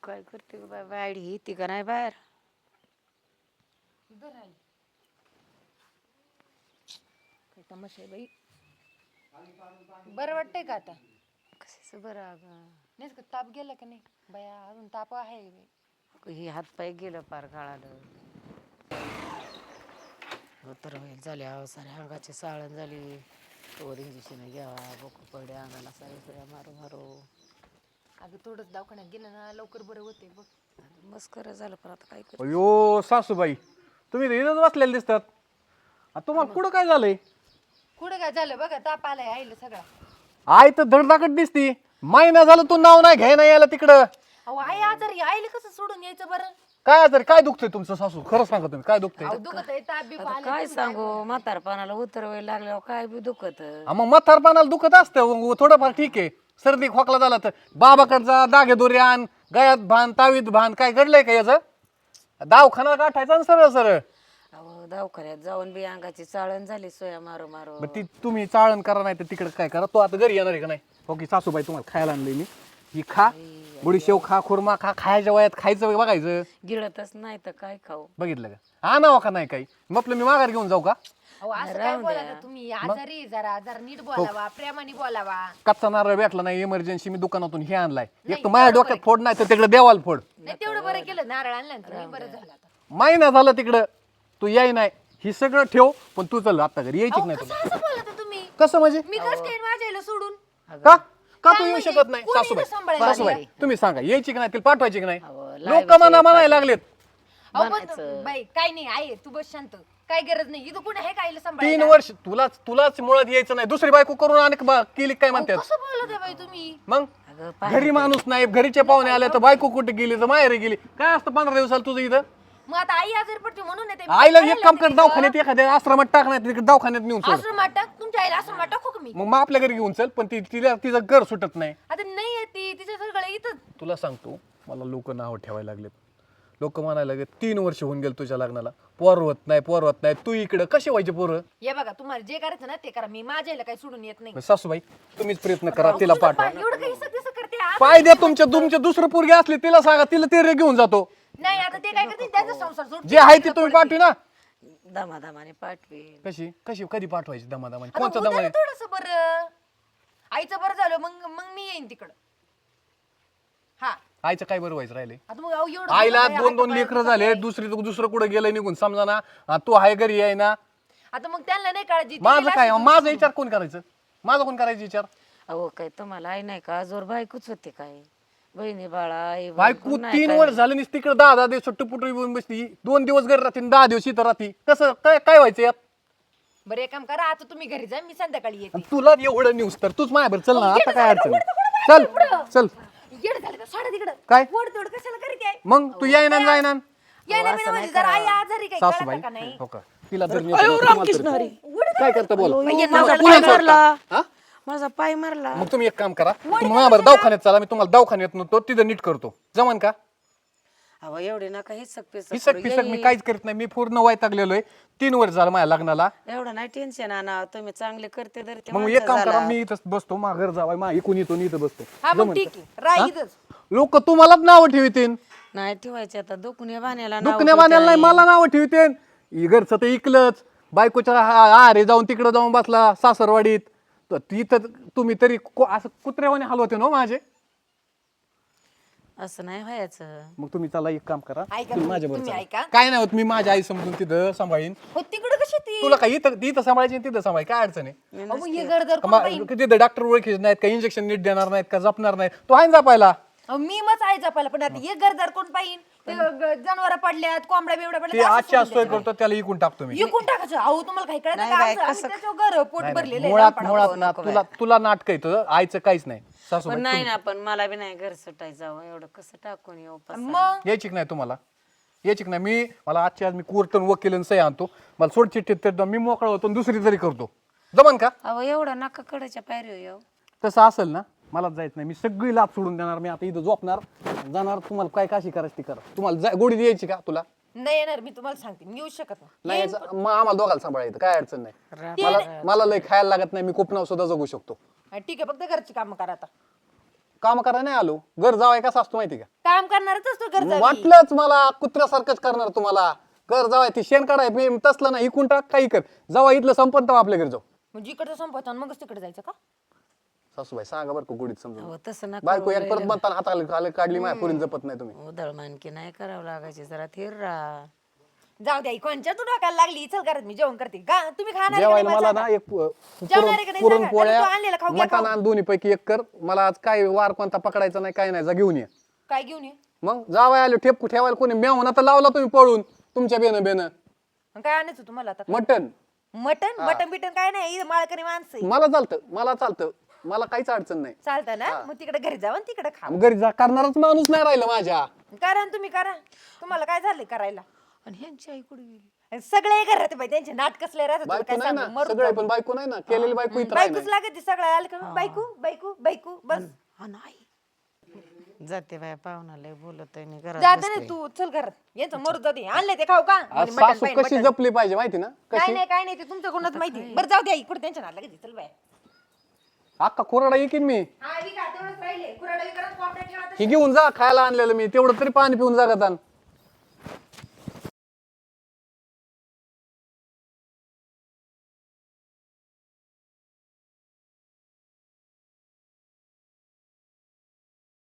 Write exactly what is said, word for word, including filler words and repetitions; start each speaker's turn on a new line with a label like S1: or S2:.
S1: काय करते ग बाय वाडी येते का नाही बाहेर
S2: काय तमाशा आहे बाई. बरं वाटतंय का आता?
S1: कशाच बरं अगं
S2: नाही का ताप गेला का नाही बया? अजून ताप आहे बाई.
S1: हे हात पाय गेलं पार काळालं तर होईल झाले अहो सारे अंगाची साळण झाली तोवर इंजेक्शन घ्यावा बोक पडे अंगाला सारे सुया मारू मारू
S2: अगं थोडंच दवाखान्यात गेलं ना लवकर बरं होते बघ.
S1: मस्कर झालं पण आता काय कर
S3: अयो सासूबाई तुम्ही इथंच बसलेले दिसतात. आ, तुम्हाला कुठं काय झालंय?
S2: कुठं काय झालं बघा ताप आलाय आईला सगळा.
S3: आई तर धडधाकट दिसती. महिना झालं तू नाव नाही घ्याय नाही यायला तिकडं.
S2: अहो आई आजारी आईला कसं सोडून यायचं बरं?
S3: काय तरी काय दुखतंय तुमचं सासू? खरं सांगा तुम्ही काय दुखतंय?
S2: अहो दुखत आहे ताप बी
S1: आता काय सांगू म्हातारपणाला उतरवायला लागल्यावर काय बी दुखत
S3: हा, मग म्हातारपणाला दुखत असतं थोडंफार ठीक आहे. सर्दी खोकला झाला तर बाबाकडचा दागे दोरे आण गयात भान तावीत भान काय घडलंय का याचं? दवाखाना गाठायचा ना सरळ सरळ.
S1: अहो दवाखान्यात जाऊन बी अंगाची चाळण झाली सोया मारू मारू
S3: मग ती तुम्ही चाळण करा नाही तर तिकडे काय करा. तो आता घरी येणार आहे का नाही? हो की सासूबाई तुम्हाला खायला आणलंय मी. ही खा बुडीशेव खा खुर्मा खा खायच्या वयात खायचं बघायचं.
S1: गिळतच नाही तर काय खाऊ
S3: बघितलं का? आणावं का नाही काही? मग आपलं मी माघार घेऊन जाऊ का?
S2: अहो असं काय बोला तुम्ही? आजारी आहे जरा जरा नीट बोलावा प्रेमाने बोलावा.
S3: कच्चा नारळ भेटला नाही इमर्जन्सी मी दुकानातून हे आणलाय. एक तर माझ्या डोक्यात फोड नाही तर तिकडे देवाला फोड.
S2: नाही तेवढं बरं केलं नारळ आणलं ना तुम्ही बरं झालं आता.
S3: महिना झालं तिकडं तू याय नाही. ही सगळं ठेव पण तू चल आता घरी यायची
S2: अहो,
S3: नाही
S2: कसं
S3: तुला.
S2: असं बोलता तुम्ही?
S3: कसं म्हणजे?
S2: मी कसं काय माझ्या आईला सोडून?
S3: का का तू
S2: काय
S3: येऊ
S2: म्हणजे?
S3: शकत नाही?
S2: कोणी
S3: सासूबाई
S2: इथं सांभाळायला
S3: सासूबाई
S2: लागले?
S3: तुम्ही सांगा यायची की नाही तिला पाठवायची की नाही?
S1: अहो,
S3: लोक
S1: लावायचे,
S3: मना म्हणायला लागलेत.
S2: अहो पण बाई काय नाही आहे तू बस शांत. काय गरज नाही इथं कोणी आहे का आईला
S3: तीन
S2: सांभाळायला?
S3: वर्ष तुलाच तुलाच मुळात यायचं नाही. दुसरी बायको करून आणि बा- केली काय
S2: अहो,
S3: म्हणतात
S2: कसं बोलत आहे बाई तुम्ही?
S3: मग?
S1: अगं
S3: घरी माणूस नाही घरीचे पाहुणे आले तर बायको कुठे गेली तर माहेर गेली. काय असतं पंधरा दिवसाला तुझं इथं?
S2: मग आता आई आजारी पडते म्हणून येते.
S3: आईला एक काम कर दवाखान्यात एखाद्या आश्रमात टाक नाही तिकडे दवाखान्यात नेऊन सोड.
S2: आश्रमात टाक तुमच्या आईला आश्रमात टाकू का मी?
S3: मग मग आपल्या घरी घेऊन चल पण ती तिला तिचं घर सुटत नाही.
S2: आता नाही येते तिच्या सगळं इथं.
S3: तुला सांगतो मला लोक नाव ठेवायला लागलेत. लोक म्हणायला लागले तीन वर्ष होऊन गेले तुझ्या लग्नाला पोरवत नाही पोरवत नाही. तू इकडे कसे व्हायचे पोरं?
S2: हे बघा तुम्हाला जे करायचं ना ते करा. मी माझ्या आईला काही सोडून येत नाही.
S3: मग सासूबाई तुम्हीच प्रयत्न करा तिला पाठवा.
S2: एवढं काही सगळं करते आ?
S3: पाय द्या तुमच्या तुमच्या दुसरं पोरगी असली तिला सांगा तिला ते रे घेऊन जातो.
S2: नाही आता ते काय करते त्यांचा संसार सोड.
S3: जे आहे ते तुम्ही पाठवी ना.
S1: दमादमाने पाठवी
S3: कशी कशी कधी पाठवायची दमादमाने?
S2: आता
S3: कोणतं
S2: होतं ना
S3: दमाने?
S2: थोडंसं बरं आईचं बरं झालं मग मग मी येईन तिकडं. हा
S3: आईचं काय बरं व्हायचं राहिले?
S2: आता मग अहो एवढं
S3: आईला
S2: बोलत आहे,
S3: दोन दोन
S2: आता
S3: लेकरं
S2: बाळा
S3: झाले
S2: काय?
S3: दुसरी दुसरं कुठं गेलं निघून समजा ना. आ, तू आहे घरी आहे ना.
S2: आता मग त्यांना नाही काळजी.
S3: माझं काय माझा विचार कोण करायचं? माझा कोण करायचा विचार?
S1: अहो काय तुम्हाला आई नाही का जोर बायकोच होते काय बहिणी बाळा आई
S3: बायको
S1: बायको नाही
S3: तीन
S1: काय?
S3: वर्ष झाले नी तिकडे दहा दहा दिवस सुट्टी येऊन बसली. दोन दिवस घरी राहते आणि दहा दिवस इथं राहते. कसं काय काय व्हायचं यात?
S2: बरं एक काम करा आता तुम्ही घरी जा मी संध्याकाळी येते.
S3: आणि तुला एवढं न्यूज तर तूच माझ्यावर चल ना. आता काय अडचण नाही. चल चल
S2: येड झालं का सोडा तिकडं.
S3: काय?
S2: वड तोड कशाला करते आहे?
S3: मग तू याय ना जाय ना.
S2: यायला बिना म्हणजे जरा आई आजारी काय
S3: सासूबाई
S2: कळतं का नाही?
S3: हो का तिला जर नेलं तर तुम्हाला तरी- काय करता बोल.
S1: माझा पाय मारला माझा पाय मारला
S3: मग तुम्ही एक काम करा तुम्ही माझ्यावर दवाखान्यात चला. मी तुम्हाला दवाखान्यात नव्हतो तिथं नीट करतो. जमान का?
S1: अहो एवढे नका हे पिसक
S3: पिसक पिसक मी काहीच करत नाही. मी पूर्ण वैतागलेलो आहे. तीन वर्ष झालं माझ्या लग्नाला.
S1: एवढं नाही टेन्शन आणा तुम्ही चांगले करते तर ते
S3: मग एक काम करा मी इथं बसतो. मा घर जावाय मा इकून येतो इथं बसतो.
S2: हा मग ठीक आहे राह इथंच.
S3: लोक तुम्हालाच नाव ठेवतील.
S1: नाही ठेवायचे आता दुखण्या बाण्याला नाव
S3: दुखण्या बाण्याला नाही मला नाव ठेवतील. घरचं तर इकलंच. बायकोच्या आरे जाऊन तिकडे जाऊन बसला सासरवाडीत. तर तिथं तुम्ही तरी को- असं कुत्र्यावाने हलवते ना माझे.
S1: असं नाही व्हायचं
S3: मग तुम्ही चला एक काम करा
S2: ऐका
S3: तुम्ही माझ्या
S2: तुम्ही
S3: बरोबर
S2: ऐका.
S3: काय नाही होत. मी माझ्या आई समजून तिथं सांभाळीन.
S2: हो तिकडं कशी ती?
S3: तुला काय इथं इथं सांभाळायची तिथं सांभाळ काय अडचण आहे?
S2: अहो, मग हे गरदर कोण
S3: मा-
S2: पाहीन?
S3: तिथं डॉक्टर ओळखीचे नाहीत का इंजेक्शन नीट देणार नाहीत का जपणार नाहीत? तो आहे ना जपायला.
S2: अहो, मी मच आहे जपायला पण आता हे गरदार कोण पाहिन? जनावर पडल्यात कोंबड्या बिवड्या
S3: ते
S2: पडल्यात
S3: आजची आज सोय करतो त्याला इकून टाकतो मी.
S2: इकून टाकायचं. अहो तुम्हाला काही कळत
S1: नाही
S2: का?
S1: बाई,
S2: आमचं- आम्ही
S1: कसं-
S2: त्याच्यावर घर पोट भरलेलं आहे
S3: मुळात
S2: लहानपणापासून.
S3: मुळात ना तुला तुला नाटक येतं आईचं काहीच नाही.
S1: पण
S3: सासूबाई
S1: नाही ना पण मला बी नाही घर सुटायचं एवढं कसं टाकून येऊ पसारा.
S2: मग
S3: यायची की नाही तुम्हाला? यायची की नाही? मी मला आजची आज मी कोर्टन वकील सही आणतो. मला सोड चिठ्ठीत तर मी मोकळा होतो आणि दुसरी तरी करतो. जमन का?
S1: अहो एवढं नका कडाच्या पायरी येऊ
S3: तसं असेल ना मलाच जायचं नाही. मी सगळी लाभ सोडून देणार. मी आता इथं झोपणार जाणार. तुम्हाला काय काशी करायची ती करा. तुम्हाला जा- गोडी द्यायची का तुला?
S2: नाही येणार मी तुम्हाला सांगते मी येऊ शकत नाही.
S3: नाही यायचं. मग आम्हाला दोघाला सांभाळायचं काय अडचण नाही. मला मला लय खायला लागत नाही. मी कोपनाव सुद्धा जगू शकतो.
S2: हा, ठीक आहे फक्त घरची कामं करा आता.
S3: काम करायला नाही आलो. घर जावाय कसा असतो माहिती का?
S2: काम करणारच असतो गरजा
S3: वाटलंच मला कुत्र्यासारखंच करणार तुम्हाला. घर जावाय ती शेण काढाय मी तसलं ना इकून टाक काही कर. जावा इथलं संपत आपल्या घरी जाऊ.
S2: म्हणजे इकडचं संपवतो आणि मगच तिकडे जायचं का?
S3: सासूबाई सांगा बरं का गुढीत समजून.
S1: अहो तसं नका
S3: बायको एक परत बनताना हाताला काढली माझ्या पुरीन जपत नाही तुम्ही.
S1: उधळ मानकी नाही करावं लागायची, जरा थिर राहा.
S2: जाऊ द्या कोणच्या तू ढोकायला लागली. चल करत मी जेवण करते. गा तुम्ही खाणार आहे का
S3: जेवायला
S2: नाही
S3: मला
S2: मला
S3: ना एक पु-
S2: जेवणार
S3: पुरण
S2: आहे का नाही सांगा.
S3: पुरणपोळ्या
S2: नाही, तू आणलेलं खाऊ घ्या,
S3: मटण
S2: खाऊ.
S3: आणि दोन्ही पैकी एक कर. मला आज काय वार कोणता पकडायचा नाही काय नाही जा घेऊन ये.
S2: सांगा. काय घेऊन ये?
S3: मग जावाय आलो ठेप ठेवायला कोणी मेवना तर लावला तुम्ही पळून तुमच्या बेन बेन
S2: मग काय आणायचं तुम्हाला आता?
S3: मटण.
S2: मटन मटन बिटन काय नाही. इथं माळकरी माणसं आहे.
S3: मला चालतं मला चालतं मला काहीच अडचण नाही.
S2: चालतं ना मग तिकडे घरी जावं आणि तिकडे खा.
S3: मग घरी जा करणारच माणूस नाही राहिला माझ्या.
S2: करा ना तुम्ही करा. तुम्हाला काय झालंय करायला?
S1: आणि ह्यांची आई कुठे गेली?
S2: आणि सगळे घरात बाई त्यांचे नाटक कसले राहतात तुला
S3: बायको
S2: काय
S3: नाही
S2: सांगू?
S3: ना
S2: मरून
S3: सगळे
S2: जाऊ.
S3: पण बायको नाही ना केलेली बायको इथं आहे
S2: बायकोच
S3: ना.
S2: लागत सगळं आलं का बायको बायको बायको बस.
S1: हा नाही जाते बाया पाहुणा लय बोलत आहे घरात
S2: जाते
S1: बसते.
S2: ना तू चल घरात. यांचं मरू जाते. आणले ते खाऊ का?
S3: आज
S2: म्हणे मटण
S3: सासू
S2: पाहिजे,
S3: कशी
S2: मटण.
S3: जपली पाहिजे माहिती ना
S2: काय
S3: कशी.
S2: नाही काय नाही ते तुमच्या कोणाच माहिती. बरं जाऊ द्या इकडे त्यांच्या नाटक चल बाय.
S3: अख्खा कोरडा येईन मी.
S2: हा विका तेवढंच राहिले. कुराडा विकरात कॉर्पोरेट
S3: ही घेऊन जा खायला आणलेलं मी तेवढं तरी पाणी पिऊन जागत आण.